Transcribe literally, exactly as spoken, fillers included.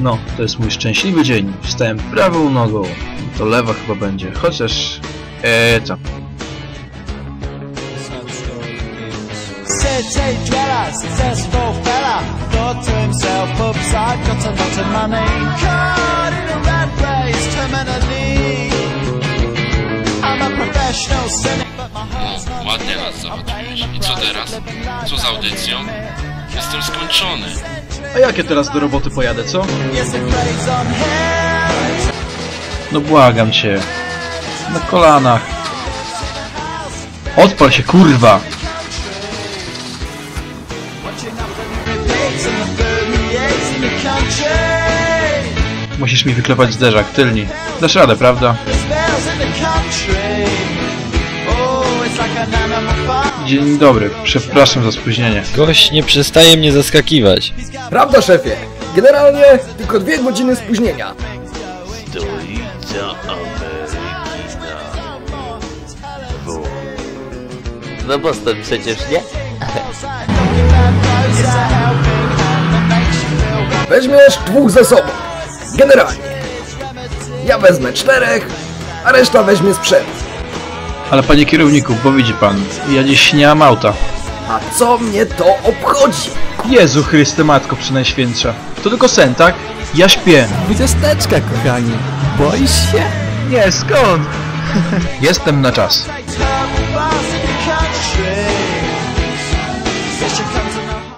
No, to jest mój szczęśliwy dzień. Wstałem prawą nogą. To lewa chyba będzie, chociaż... Eee, co? City dweller, successful fella, thought to himself, "Oops, I've got a lot of money." Caught in a rat race, terminally. I'm a professional cynic, but my heart's not. No, ładnie nas załatwiłeś. I co teraz? Co z audycją? Jestem skończony. A jak ja teraz do roboty pojadę, co? Yes, it plays on him. No błagam cię. Na kolanach. Odpal się, kurwa! Musisz mi wyklepać zderzak, tylni. Dasz radę, prawda? Dzień dobry, przepraszam za spóźnienie. Gość nie przestaje mnie zaskakiwać. Prawda, szefie? Generalnie tylko dwie godziny spóźnienia. Stolica Amerykina. Bo... No Boston przecież, nie? Weźmiesz dwóch ze sobą. Generalnie. Ja wezmę czterech, a reszta weźmie z przodu. Ale panie kierowniku, bo widzi pan, ja dziś nie mam auta. A co mnie to obchodzi? Jezu Chryste, Matko Przenajświętsza. To tylko sen, tak? Ja śpię. Dwudziesteczka, kochanie. Boisz się? Nie, skąd? Jestem na czas.